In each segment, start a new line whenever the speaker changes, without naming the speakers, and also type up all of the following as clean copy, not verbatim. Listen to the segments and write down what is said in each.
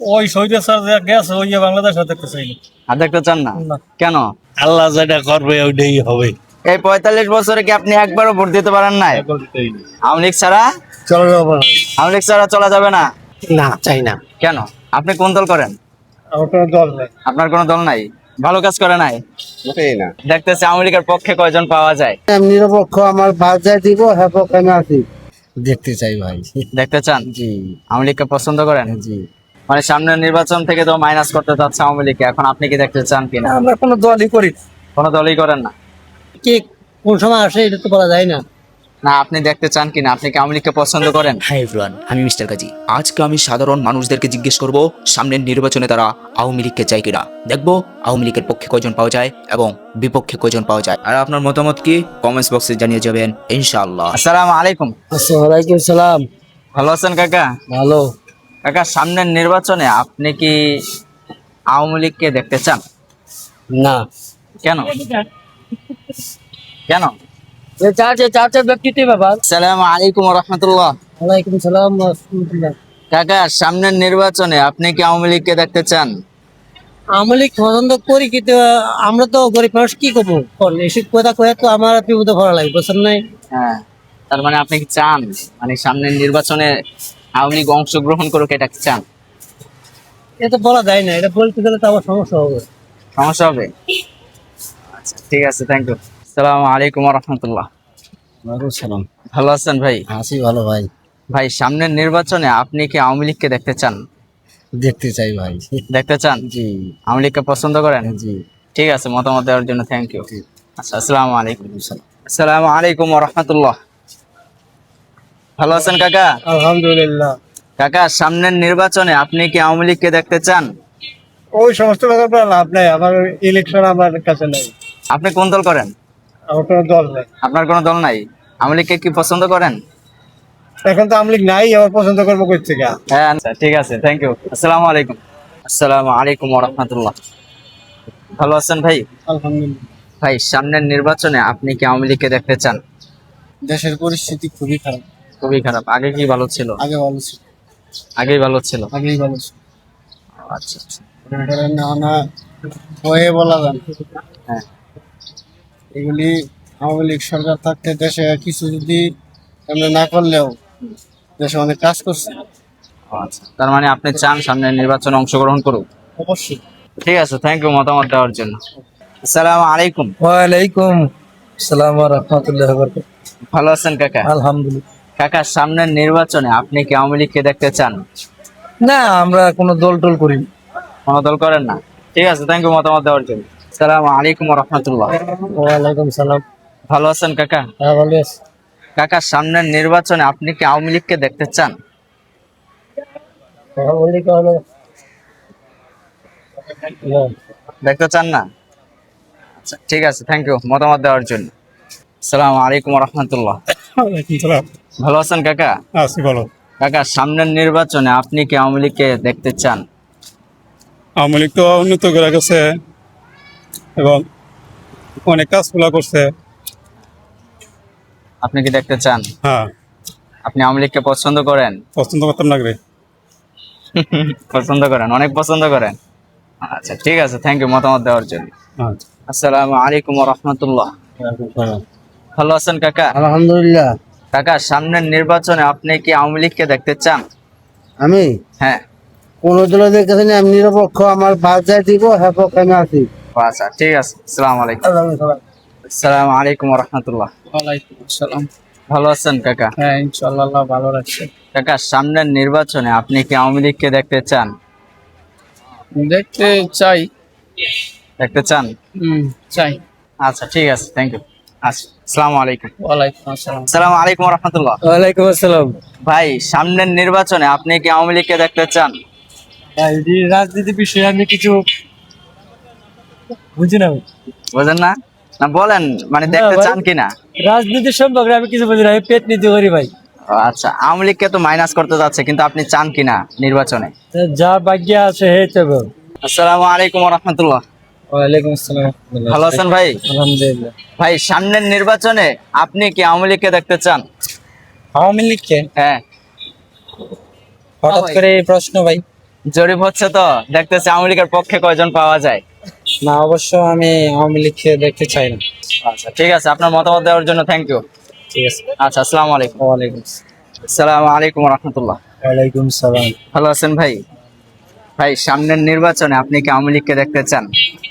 ওই শহীদের স্যার যে গেছে ওই বাংলাদেশ আর দেখতে চাই
আর দেখতে চান না?
না।
কেন?
আল্লাহ যেটা করবে ওইটাই হবে।
এই 45 বছরে কি আপনি একবারও ভোট দিতে পারেন নাই? আওয়ামী লীগ ছাড়া?
চলো যাবো
আওয়ামী লীগ ছাড়া চলা যাবে না?
না, চাই না।
কেন? আপনি কোন দল করেন?
আমার কোনো দল নেই।
আপনার কোনো দল নাই? ভালো কাজ করে নাই?
না,
দেখতেছি আওয়ামী লীগের পক্ষে কয়জন পাওয়া যায়?
নিরপেক্ষ আমার বাজায় দিব, হ্যাঁ পক্ষে আমি আছি। দেখতে চাই ভাই।
দেখতে চান?
জি
আওয়ামী লীগকে পছন্দ করেন?
জি।
মানে সামনের নির্বাচন থেকে তো মাইনাস করতে চাচ্ছে আওয়ামী লীগকে, এখন আপনি কি দেখতে চান কিনা?
আমরা কোনো দলই করি না।
কোনো দলই করেন না?
কে কোন সময় আসে এটা তো বলা যায় না।
না, আপনি দেখতে চান কিনা? আপনি কি আওয়ামী লীগকে পছন্দ করেন?
হাই এভরিওয়ান, আমি মিস্টার কাজী। আজকে আমি সাধারণ মানুষদেরকে জিজ্ঞেস করব সামনের নির্বাচনে তারা আওয়ামী লীগকে চায় কিনা। দেখবো আওয়ামী লীগের পক্ষে কয়জন পাওয়া যায় এবং বিপক্ষে কয়জন পাওয়া যায়। আর আপনার মতামত কি কমেন্টস বক্সে জানিয়ে যাবেন ইনশাআল্লাহ।
আসসালামু আলাইকুম।
ওয়ালাইকুম সালাম।
ভালো আছেন কাকা?
ভালো।
কাকা, সামনের নির্বাচনে আপনি কি আওয়ামী লীগকে দেখতে চান?
না।
কেন? কেন?
চার্চের ব্যক্তিত্ব ব্যাপার।
আসসালামু আলাইকুম ওয়া রাহমাতুল্লাহ।
ওয়ালাইকুম সালাম ওয়া রাহমাতুল্লাহ।
কাকা, সামনের নির্বাচনে আপনি কি আওয়ামী লীগকে দেখতে চান?
আওয়ামী লীগ পছন্দ করি কিন্তু আমরা তো গরিব মানুষ কি করবো, এসব কথা কয়ে তো আমার বিপদে ভরা লাগে, বুঝছেন নাই?
হ্যাঁ, তার মানে আপনি কি চান মানে সামনের নির্বাচনে আওয়ামী লীগ অংশগ্রহণ করুক, এটা কি চান?
এটা বলা যায় না, এটা বলতে গেলে তো আমার সমস্যা হবে।
সমস্যা হবে? আচ্ছা, ঠিক আছে, থ্যাংক ইউ। আসসালামু আলাইকুম ওয়া রাহমাতুল্লাহ।
ওয়ালাইকুম সালাম।
ভালো আছেন ভাই?
আছি ভালো ভাই।
ভাই, সামনের নির্বাচনে আপনি কি আওয়ামী লীগকে দেখতে চান?
দেখতে চাই ভাই।
দেখতে চান?
জি
আওয়ামী লীগকে পছন্দ করেন?
জি।
ঠিক আছে, মতামত দেওয়ার জন্য থ্যাংক ইউ। আচ্ছা, আসসালামু আলাইকুম। আসসালামু আলাইকুম ওয়া রাহমাতুল্লাহ। ভালো আছেন কাকা?
আলহামদুলিল্লাহ।
কাকা, সামনের নির্বাচনে আপনি কি আওয়ামী লীগকে দেখতে চান?
ওই সমস্ত ব্যাপার লাভ নাই, আমার ইলেকশন আমার কাছে নাই।
আপনি কোন দল করেন?
আমার কোনো দল নাই।
আপনার কোনো দল নাই? আওয়ামী লীগকে কি পছন্দ করেন?
এখন তো আওয়ামী লীগ নাই, আমার পছন্দ করবো কই থেকে?
হ্যাঁ, আচ্ছা, ঠিক আছে, থ্যাংক ইউ। আসসালামু আলাইকুম। আসসালামু আলাইকুম ওয়া রাহমাতুল্লাহ। ভালো আছেন ভাই?
আলহামদুলিল্লাহ।
ভাই, সামনের নির্বাচনে আপনি কি আওয়ামী লীগকে দেখতে চান?
দেশের পরিস্থিতি খুবই খারাপ।
খুবই খারাপ। আগে কি ভালো ছিল?
আগে ভালো ছিল।
আগেই ভালো ছিল।
আগেই ভালো ছিল।
আচ্ছা আচ্ছা।
মনে করেন না না হয়ে বলা যান,
হ্যাঁ।
এগুলি আওয়ামী লীগ সরকার থাকতে দেশে কিছু যদি এমনি না করলেও দেশে অনেক কাজ করছে।
আচ্ছা, তার মানে আপনি চান সামনের নির্বাচনে অংশগ্রহণ করুক?
অবশ্যই।
ঠিক আছে, থ্যাংক ইউ মতামত দেওয়ার জন্য। আসসালামু আলাইকুম।
ওয়ালাইকুম আসসালাম ওয়া রাহমাতুল্লাহি ওয়া বারাকাতুহু।
ভালো আছেন কাকা?
আলহামদুলিল্লাহ।
কাকা, সামনের নির্বাচনে আপনি কি আওয়ামী লীগকে দেখতে চান?
না, আমরা কোনো দল টল করি না।
কোনো দল করেন না? ঠিক আছে, থ্যাংক ইউ মতামত দেওয়ার জন্য। আসসালামু আলাইকুম ওয়া রাহমাতুল্লাহ।
ওয়ালাইকুম সালাম।
ভালো আছেন কাকা?
হ্যাঁ ভালো আছি।
কাকা, সামনের নির্বাচনে আপনি কি আওয়ামী লীগকে দেখতে চান? দেখতে চান না? আচ্ছা, ঠিক আছে, থ্যাংক ইউ মতামত দেওয়ার জন্য। আসসালামু আলাইকুম ওয়া রাহমাতুল্লাহ।
ওয়ালাইকুম সালাম।
ভালো আছেন কাকা?
আছি ভালো।
কাকা, সামনের নির্বাচনে আপনি কি আওয়ামী লীগকে দেখতে চান?
আওয়ামী লীগ তো উন্নত করে গেছে এবং অনেক কাজগুলা করছে।
আপনি কি দেখতে চান?
হ্যাঁ,
আপনি আওয়ামী লীগকে পছন্দ করেন?
পছন্দ করতাম না রে।
পছন্দ করেন, অনেক পছন্দ করেন। আচ্ছা, ঠিক আছে, থ্যাংক ইউ মতামত দেওয়ার জন্য।
হ্যাঁ।
আসসালামু আলাইকুম ওয়া রাহমাতুল্লাহ। ভালো আছেন কাকা?
আলহামদুলিল্লাহ।
কাকা, সামনের নির্বাচনে আপনি কি আওয়ামী লীগকে দেখতে চান?
আমি
হ্যাঁ।
কোন দলে দেখতেছি না, আমি নিরপেক্ষ আমার বাজায় দিব, হ্যাঁ পক্ষে আমি আছি।
আচ্ছা, ঠিক আছে, আসসালামু আলাইকুম। আসসালামু আলাইকুম ওয়া রাহমাতুল্লাহ।
ওয়ালাইকুম আসসালাম।
ভালো আছেন কাকা?
হ্যাঁ ইনশাআল্লাহ আল্লাহ ভালো রাখছে।
কাকা, সামনের নির্বাচনে আপনি কি আওয়ামী লীগকে দেখতে চান?
দেখতে চাই।
দেখতে চান?
চাই।
আচ্ছা, ঠিক আছে, থ্যাংক ইউ। আচ্ছা, আসসালামু আলাইকুম।
ওয়ালাইকুম আসসালাম।
আসসালামু আলাইকুম ওয়া রাহমাতুল্লাহ।
ওয়ালাইকুম আসসালাম।
ভাই, সামনের নির্বাচনে আপনি কি আওয়ামী লীগকে দেখতে চান?
ভাই এই রাজনীতি বিষয়ে আমি কিছু বুঝি না।
বুঝেন না? না বলেন, মানে দেখতে
ভাই।
চান কিনা?
রাজনীতি সম্পর্কে আমি কিছু বুঝি না, আমি পেট নীতি করি ভাই।
আচ্ছা, আওয়ামী লীগকে তো মাইনাস করতে যাচ্ছে, কিন্তু আপনি চান কিনা নির্বাচনে?
যা ভাগ্য আছে হে তবে।
আসসালামু আলাইকুম ওয়া রাহমাতুল্লাহ।
ওয়ালাইকুম আসসালাম।
ভালো আছেন ভাই?
আলহামদুলিল্লাহ।
ভাই, সামনের নির্বাচনে আপনি কি আওয়ামী লীগকে দেখতে চান?
আওয়ামী লীগকে
হ্যাঁ।
হঠাৎ করে এই প্রশ্ন ভাই?
জরিপ হচ্ছে তো, দেখতেছি আওয়ামী লীগের পক্ষে কয়জন পাওয়া যায়।
না, অবশ্য আমি আওয়ামী লীগকে দেখতে চাই না।
আচ্ছা ঠিক আছে, আপনার মতামত দেওয়ার জন্য থ্যাংক ইউ।
ঠিক আছে।
আচ্ছা, আসসালামু আলাইকুম।
ওয়ালাইকুম
আসসালামু আলাইকুম রহমতুল্লাহ।
ওয়ালাইকুম সালাম।
ভালো আছেন ভাই? ভাই, সামনের নির্বাচনে আপনি কি আওয়ামী লীগকে দেখতে চান?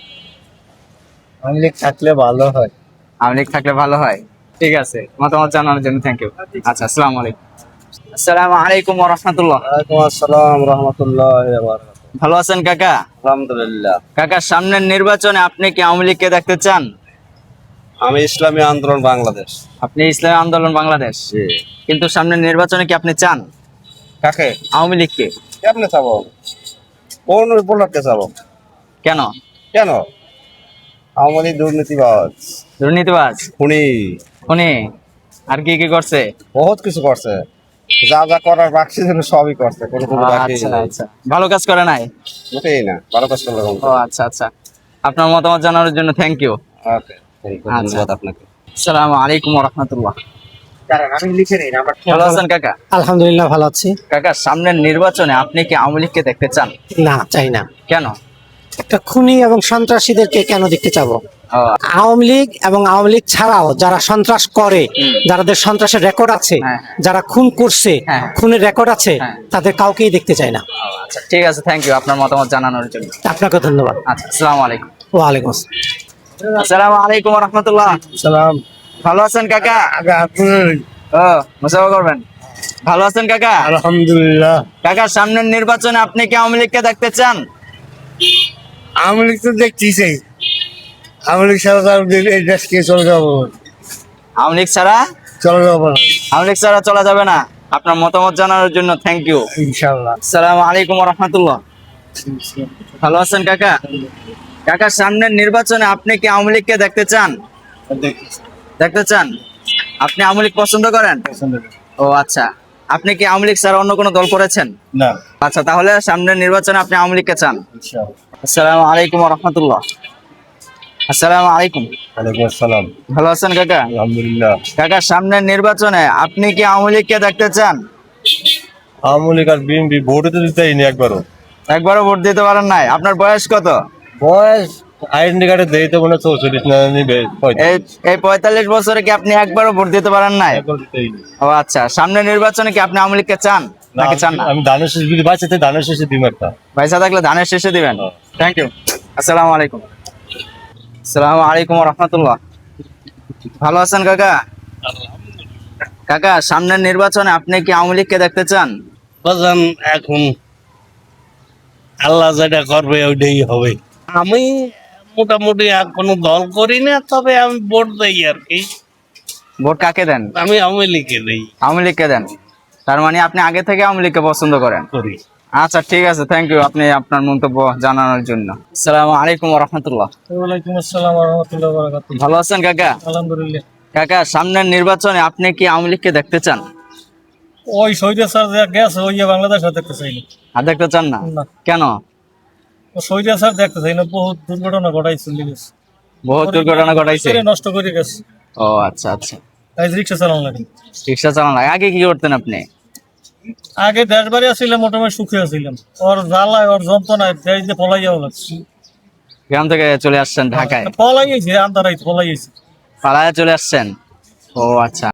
আওয়ামী লীগ থাকলে ভালো হয়।
আওয়ামী লীগ থাকলে ভালো হয়। ঠিক আছে, মতামত জানানোর জন্য থ্যাংক ইউ। আচ্ছা, আসসালামু আলাইকুম। আসসালামু আলাইকুম রহমতুল্লাহ।
ওয়ালাইকুম আসসালাম রহমতুল্লাহ।
ভালো আছেন কাকা?
আলহামদুলিল্লাহ।
কাকা, সামনের নির্বাচনে আপনি কি আওয়ামী লীগকে দেখতে চান?
আমি ইসলামী আন্দোলন বাংলাদেশ।
আপনি ইসলামী আন্দোলন বাংলাদেশ, কিন্তু সামনের নির্বাচনে কি আপনি চান
কাকে?
আওয়ামী লীগকে?
কেমনে চাবো? কোন উপলক্ষে চাবো?
কেন?
কেন? আওয়ামী লীগ দুর্নীতিবাজ,
দুর্নীতিবাজ,
খুনি,
খুনি, আর কি কি করছে?
বহুত কিছু করছে। যা যা করার বাকি ছিল সবই করছে, কোনো কোনো বাকি
আচ্ছা
নেই।
আচ্ছা, ভালো কাজ করে নাই?
মোটেই না, ভালো কাজ করলে কম।
ও আচ্ছা আচ্ছা, আপনার মতামত জানানোর জন্য থ্যাংক ইউ।
ওকে, ধন্যবাদ আপনাকে।
আসসালামু আলাইকুম রহমতুল্লাহ।
আমি লিখে নিই নাম্বার।
ভালো আছেন কাকা?
আলহামদুলিল্লাহ, ভালো আছি।
কাকা, সামনের নির্বাচনে আপনি কি আওয়ামী লীগকে দেখতে চান?
না, চাই না।
কেন?
একটা খুনি এবং সন্ত্রাসীদেরকে কেন দেখতে চাবো?
ও,
আওয়ামী লীগ এবং আওয়ামী লীগ ছাড়াও যারা সন্ত্রাস করে,
হুম।
যাদের সন্ত্রাসের রেকর্ড আছে,
হ্যাঁ।
যারা খুন করছে,
হ্যাঁ।
খুনের রেকর্ড আছে,
হ্যাঁ।
তাদের কাউকেই দেখতে চাই না।
আচ্ছা ঠিক আছে, থ্যাংক ইউ আপনার মতামত জানানোর জন্য।
আপনাকে ধন্যবাদ।
আচ্ছা, আসসালামু আলাইকুম।
ওয়ালাইকুম আসসালাম।
আসসালামু আলাইকুম রহমতুল্লাহ।
সালাম।
ভালো আছেন কাকা? ও, মুসাফা করবেন। ভালো আছেন কাকা?
আলহামদুলিল্লাহ।
কাকা, সামনের নির্বাচনে আপনি কি আওয়ামী লীগকে দেখতে চান?
আওয়ামী লীগ তো দেখতেছি, আওয়ামী লীগ ছাড়া তো এই দেশকে চলে যাবো,
আওয়ামী লীগ ছাড়া?
চলে যাবো না
আওয়ামী লীগ ছাড়া চলা যাবে না। আপনার মতামত জানানোর জন্য থ্যাংক ইউ।
ইনশাল্লাহ।
আসসালামু আলাইকুম রহমতুল্লাহ। ভালো আছেন কাকা? কাকা, সামনের নির্বাচনে আপনি কি আওয়ামী লীগকে দেখতে চান? দেখতে চান? আপনি আওয়ামী লীগ পছন্দ করেন? ও আচ্ছা, আপনি কি আওয়ামী লীগ ছাড়া অন্য কোনো দল করেছেন?
না,
আচ্ছা, তাহলে সামনের নির্বাচনে আপনি আওয়ামী লীগকে চান।
ইনশাল্লাহ।
আসসালামু আলাইকুম রহমতুল্লাহ। আসসালামু আলাইকুম।
ওয়ালাইকুম আসসালাম।
ভালো আছেন কাকা?
আলহামদুলিল্লাহ।
কাকা, সামনের নির্বাচনে আপনি কি আওয়ামী লীগকে দেখতে চান?
আওয়ামী লীগ আর বিএনপি ভোটে তো দিতেই নি একবারও।
একবারও ভোট দিতে পারেন নাই? আপনার বয়স কত?
বয়স আইডেন্টি কার্ডে দেই তো মনে 44 না নিবে
এই এই 45 বছরে কি আপনি একবারও ভোট দিতে পারেন নাই? ও আচ্ছা, সামনের নির্বাচনে কি আপনি আওয়ামী লীগকে চান নাকি চান না?
আমি ধানের শেষ যদি বাঁচাতে ধানের শেষে দিম একটা।
পয়সা থাকলে ধানের শেষে দিবেন।
হ্যাঁ।
Thank you. আসসালামু আলাইকুম। আসসালামু আলাইকুম রহমতুল্লাহ। ভালো আছেন কাকা? কাকা, সামনের নির্বাচনে আপনি কি আওয়ামী লীগকে দেখতে চান?
বাজান এখন আল্লাহ যেটা করবে ওইটাই হবে। আমি মোটামুটি আর কোনো দল করি না, তবে আমি ভোট দেই আর কি।
ভোট কাকে দেন?
আমি আওয়ামী লীগে দেই
আওয়ামী লীগকে দেন। তার মানে আপনি আগে থেকে আওয়ামী লীগকে পছন্দ করেন।
করি।
আচ্ছা ঠিক আছে, থ্যাংক ইউ আপনি আপনার মন্তব্য জানানোর জন্য। আসসালামু আলাইকুম রহমতুল্লাহ।
ওয়ালাইকুম আসসালাম ওয়া রাহমাতুল্লাহি ওয়া বারাকাতুহু।
ভালো আছেন কাকা?
আলহামদুলিল্লাহ।
কাকা, সামনের নির্বাচনে আপনি কি আওয়ামী লীগকে দেখতে চান?
ওই শহীদের স্যার যে গেছে ওই যে বাংলাদেশ দেখতে চাই না।
আর দেখতে চান না?
না।
কেন?
ও শহীদের স্যার দেখতে চাই না, বহুত দুর্ঘটনা ঘটাইছে।
বহুত দুর্ঘটনা ঘটাইছে।
নষ্ট করে গেছে।
ও আচ্ছা আচ্ছা,
তাই রিক্সা চালানো লাগে।
রিক্সা চালান লাগে। আগে কি করতেন আপনি?
আগে দেশ বাড়ি আসছিলাম, মোটামুটি সুখে আসছিলাম। ওর জ্বালায় ওর যন্ত্রণায় দেশ দিয়ে পলাই যাওয়া লাগছে।
গ্রাম থেকে চলে আসছেন ঢাকায়?
পলাইয়েছে, আন্দারাইছে পলাইয়েছে।
পাড়ায় চলে আসছেন? ও আচ্ছা।